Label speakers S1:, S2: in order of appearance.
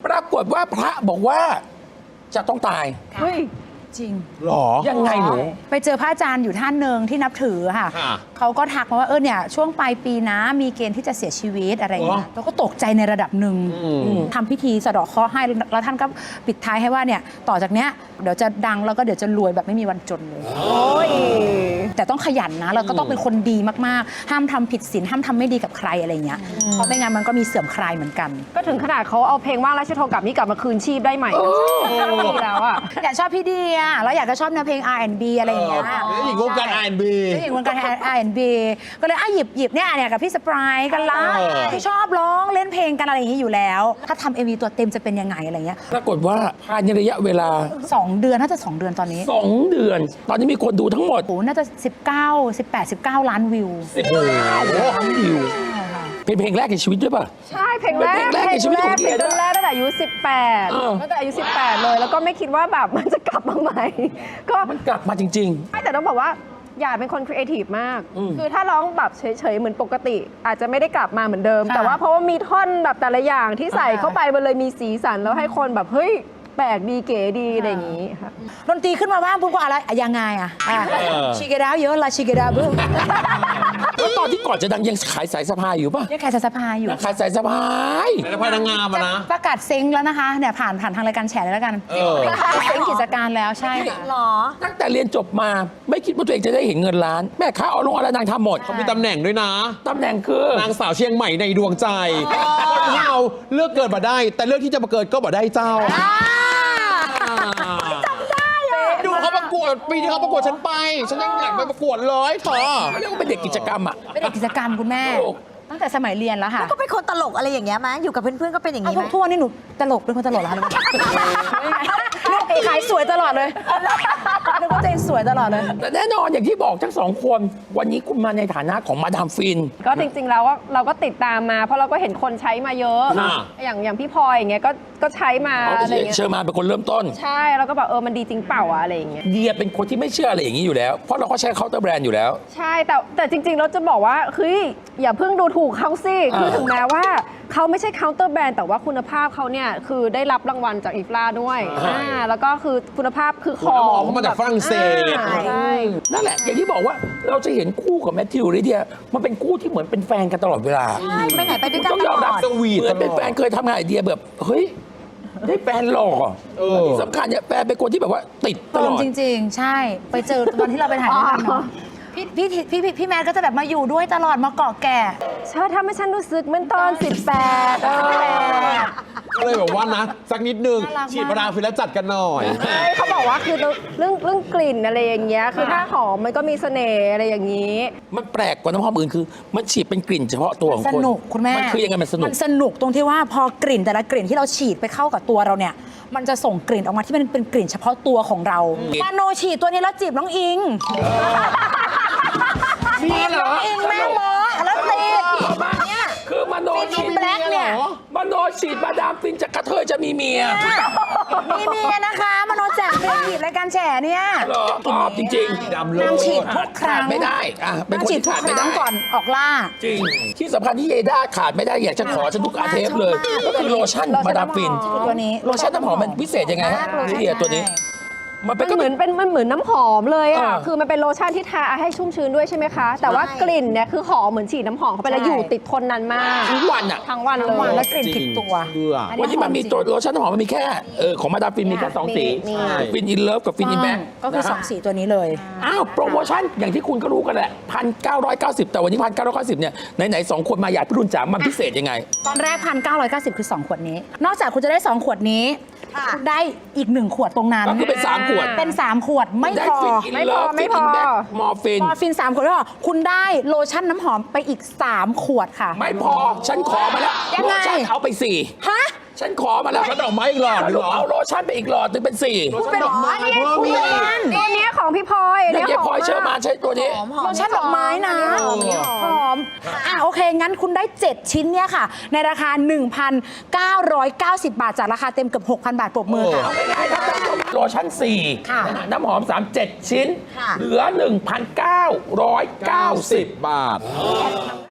S1: ปรากฏว่าพระบอกว่าจะต้องตาย
S2: เฮ้ย
S3: จริง
S4: หรอ
S1: ยังไงหนู
S3: ไปเจอพระอาจารย์อยู่ท่านหนึ่งที่นับถือค่ะ
S4: ค่ะ
S3: เขาก็ทักมาว่าเนี่ยช่วงปลายปีนะมีเกณฑ์ที่จะเสียชีวิตอะไรอย่างเงี้ยเราก็ตกใจในระดับหนึ่งทำพิธีสะเดาะเคราะห์ให้แล้วท่านก็ปิดท้ายให้ว่าเนี่ยต่อจากเนี้ยเดี๋ยวจะดังแล้วก็เดี๋ยวจะรวยแบบไม่มีวันจนเลย
S2: โอ้ย
S3: แต่ต้องขยันนะเราก็ต้องเป็นคนดีมากๆ ห้ามทำผิดศีลห้ามทำไม่ดีกับใครอะไรเงี้ยเพราะไม่งั้นมันก็มีเสื่อมคลายเหมือนกัน
S2: ก็ถึงขนาดเขาเอาเพลงว่างราชโทกลับนี่กลับมาคืนชีพได้ใหม่ดีแล้วอ่ะ
S3: อยากชอบพี่เดียแล้วอยากจะชอบแนวเพลง R&B อะไรอย่างเงี้ย
S4: หญิงวงการ R&B
S3: เจ้าหญิงวงการ R&B ก็เลยหยิบเนี่ยกับพี่สปรายกันละ ที่ชอบร้องเล่นเพลงกันอะไรอย่างนี้อยู่แล้ว ถ้าทำ MV ตัวเต็มจะเป็นยังไงอะไรเงี้ย
S1: ปรากฏว่าภายในระยะเวลา
S3: 2 เดือนน่าจะ 2 เดือนตอนนี้
S1: 2 เดือน ตอนนี้มีคนดูทั้งหมด
S3: โอ้น่าจะ19 ล้านวิว
S1: 19 ล้านวิวเป็นเพลงแรกในชีวิตด้วยป่ะ
S2: ใช่เพลงแรก
S1: เป็นเพลงแรกในชีวิตของเดีย
S2: เพลงแรกตั้งแต่อายุ
S1: เออ
S2: 18ตั้งแต่อายุ 18 เลย แล้วก็ไม่คิดว่าแบบมันจะกลับมาใหม่ ก็
S1: มันกลับมาจริง
S2: ไม่แต่ต้องบอกว่าอย่าเป็นคนครีเอทีฟมาก คือถ้าร้องแบบเฉยๆเหมือนปกติ อาจจะไม่ได้กลับมาเหมือนเดิม
S3: ค่ะ
S2: แต่ว่าเพราะว่ามีท่อนแบบแต่ละอย่างที่ใส่เข้าไปมันเลยมีสีสันแล้วให้คนแบบเฮ้ยแปลกดีเก๋ดีอะไรอย่างนี้ค่ะ
S3: ดนตรีขึ้นมาบ้างปุ๊บก็อะไรยังไงชิเกดาวเยอะละชิเกดาวบึ้ม
S1: ๆ แล้วตอนที่ก่อนจะดังยังขายสายสะพายอยู่ป่ะ
S3: ยังขายสะพายอยู่
S1: ขายสายสะพาย
S4: แต่พายนางงามอะนะ
S3: ประกาศเซ็งแล้วนะคะเนี่ยผ่านทางรายการแฉเลยแล้วกันเซ็งกิจการแล้วใช่ค่ะ
S5: หรอ
S1: ตั้งแต่เรียนจบมาไม่คิดว่าตัวเองจะได้เห็นเงินล้าน แม่ค้าเอาลงอะไรนางทำหมด
S4: มีตำแหน่งด้วยนะ
S1: ตำแหน่งคือ
S4: นางสาวเชียงใหม่ในดวงใจที่เอาเลือกเกิดมาได้ แต่เลือกที่จะมาเกิดก็บ่ได้เจ้าดูเขาประกวดปีที่เขาประกวดฉันไป ฉันยังอยากไปประกวดเลยเธอ
S1: เขาเรียกว่าเป็นเด็กกิจกรรมอ่ะ
S3: เป็นเด็กกิจกรรมคุณแม่
S1: ถูก
S3: ตั้งแต่สมัยเรียนแล้วค่ะ
S5: ก็เป็นคนตลกอะไรอย่างเงี้ยมั้ยอยู่กับเพื่อนๆก็เป็นอย่าง
S3: เอา
S5: งี้ไหม
S3: ทุกวันนี้หนูตลกเป็นคนตลกเหรอคะขายสวยตลอดเลยนึกว่าตัวเองสวยตลอดเลย
S1: แต่แน่นอนอย่างที่บอกทั้งสองคน วันนี้คุณมาในฐานะของมาดามฟิน
S2: ก็จริงๆแล้วเราก็ติดตามมา เพราะเราก็เห็นคนใช้มาเยอะ
S1: ค่ะ
S2: อย่างพี่พลอยอย่างเงี้ยก็ใช้มา
S1: เขา
S2: อะไรเงี้ย
S1: เชิญมาเป็นคนเริ่มต้น
S2: ใช่แล้วก็แบบมันดีจริงเปล่าอะอะไรอย่างเงี้ย
S1: เดียเป็นคนที่ไม่เชื่ออะไรอย่างนี้อยู่แล้ว เพราะเราก็ใช้เคาน์เตอร์แบรนด์อยู่แล้ว
S2: ใช่แต่จริงๆเราจะบอกว่าเฮ้ยอย่าเพิ่งดูถูกเขาสิคือถึงแม้ว่าเขาไม่ใช่เคาน์เตอร์แบรนด์แต่ว่าคุณภาพเขาเนี่ยคือได้รับรางวัลจากอีฟลาด้วย
S1: ใช่
S2: แล้วก็คือคุณภาพคือข
S4: หัว
S2: อง
S4: น้ำหอมเขามาจากฝรั่งเศส
S2: ใช่
S1: นั่นแหละ อย่างที่บอกว่าเราจะเห็นคู่ของแมทธิวลิเดียมันเป็นคู่ที่เหมือนเป็นแฟนกันตลอดเวลา
S5: ใช่ไปไหนไปด้วยกัน
S1: ต้อง
S5: ต
S1: ยอม
S5: ล
S1: รับ
S5: อด
S4: สวีท
S1: เหมือนเป็นแฟนเคยทำงานไอเดียแบบเฮ้ยได้แฟนหล่อ ที่สำคัญเนี่ยแฟนเป็นคนที่แบบว่าติดต
S3: เติ
S1: ล
S3: ม
S1: อด
S3: จริงๆ ใช่ ไปเจอตอนที่เราไปถ่ายด้วยกันเนาะพี่แมทก็จะแบบมาอยู่ด้วยตลอดมาเกาะแก่
S2: เธอทำให้ฉันรู้สึกเหมือนตอน 18
S4: ก็เลยแบบว่านะ สักนิดนึง
S3: น่ารักมาก
S4: ฉีดมาดามฟินแล้วจัดกันหน่อย
S2: เขาบอกว่าคือเรื่องกลิ่นอะไรอย่างเงี้ยคือถ้าหอมมันก็มีเสน่ห์อะไรอย่างนี้
S1: มันแปลกกว่าน้ำหอมอื่นคือ มันฉีดเป็นกลิ่นเฉพาะตัวของ
S3: ส
S1: คน
S3: นุกคุณแม่
S1: มันคือยังไงมันสนุก
S3: มันสนุกตรงที่ว่าพอกลิ่นแต่ละกลิ่นที่เราฉีดไปเข้ากับตัวเราเนี่ย มันจะส่งกลิ่นออกมาที่มันเป็นกลิ่นเฉพาะตัวของเรามาโนฉีดตัวนี้แล้วจีบน้องอิง
S1: มีเหรอ
S3: อิงแม่หมอแล้วติดเนี่ย
S1: คือมโน
S3: ฟิน
S1: ฉี
S3: อิ
S1: ด
S3: นแบล็กเนี่ย
S1: มโนฉีดมาดามฟินจากกระเทยจะมีเมีย
S3: มีเมียนะคะมโนแจกเฟรนฉีดรายการแฉเนี่ย
S1: เหรอชอบจริงๆ
S4: ดำเลย
S3: นางฉีดทุกครั้ง
S1: ขาดไม่ได้เป็นคน
S3: ฉีด
S1: ที่
S3: ทุก
S1: ขาด
S3: ค
S1: ไม่
S3: รั้
S1: ได้
S3: งก่อนออกล่า
S1: จริง ที่สำคัญที่เยด้าขาดไม่ได้อยากจะขอฉันทุกอาเทปเลย ก็คือโลชั่นมาดามฟิน
S3: ตัวนี้
S1: โลชั่นน้ำหอมมันพิเศษยังไงฮะ
S3: มากเลย
S1: ที่เดียตัวนี้ มันเป็น
S2: มัน
S1: ก็
S2: เห
S1: เห
S2: มื
S1: มื
S2: อ
S1: อน น
S2: เป็นมันเหมือนน้ำหอมเลยอ่ะ
S1: อ่า
S2: คือมันเป็นโลชั่นที่ทาให้ชุ่มชื้นด้วยใช่ไหมคะ แต่ว่ากลิ่นเนี่ยคือหอมเหมือนฉีดน้ำหอมเข้าไปแล้ว
S3: ใช่
S2: อยู่ติดทนนานมาก
S1: ทั้งวันอ่ะ
S2: ทั้งวันเล
S3: ทั้งวัน
S2: ย
S3: แล้วกลิ่นติดตัว
S4: เชื่อ
S1: วันนี้มันมีตัวโลชั่นน้ำหอมมันมีแค่ของมาดามฟินมีแค่2 สี
S2: มี
S1: ฟินอินเลิฟกับฟินอินแบ็ค
S3: ก็คือ2 สีตัวนี้เลย
S1: อ้าวโปรโมชั่นอย่างที่คุณก็รู้กันแหละ1,990 แต่วันนี้1,990เนี่ยไหนๆ2 คนมาอยากพี่รุ่นจ๋ามันพิเศษยังไง
S3: ตอนแรก1,990 คือ 2 ขวดนี้ นอกจากคุณจะได้ 2 ขวดนี้ คุณได้อีก 1 ขวดตรงนั้น
S1: ก็คือเป็น3 ขวด
S3: เป็น 3 ขวดไม่
S1: ได้
S3: พอ
S1: ฟินอินเลิฟ
S2: ไม่
S1: ฟิน
S2: พอ
S1: อินแบ็คมอร์ฟิน
S3: พอฟิน 3 ขวดแล้วคุณได้โลชั่นน้ำหอมไปอีก 3 ขวดค่ะ
S1: ไม่พอฉันขอมาแล้ว
S3: ยัง
S1: โล
S3: ไง
S1: ชั่นเอาไป
S3: ฮะ
S1: 4 ฉันขอมาแล้ว
S4: ฉันดอกไม้อีกหลอด
S1: ส
S4: หนึ่ง
S1: รุป
S4: เหรอ
S1: เอาโลชั่นไปอีกหลอดนึงเป็น4
S4: ฉันดอกไม้เพิ่มอีก
S2: ตัวเนี้ยของพี่พลอย
S1: เนี่ยเยพลอยเชื่อมาใช้ตัวนี้
S3: โลชั่นดอกไม้นะหอมโอเค งั้นคุณได้ 7 ชิ้นเนี่ยค่ะ ในราคา 1,990 บาท จากราคาเต็มเกือบ 6,000 บาทปรบมือค่ะ
S1: เอาง่ายๆครับท่านผู้ชมโลชั่น
S3: ค่ะ
S1: 4 น้ำหอม 3 7 ชิ้น
S5: ค่ะ
S1: เหลือ 1,990
S4: บาท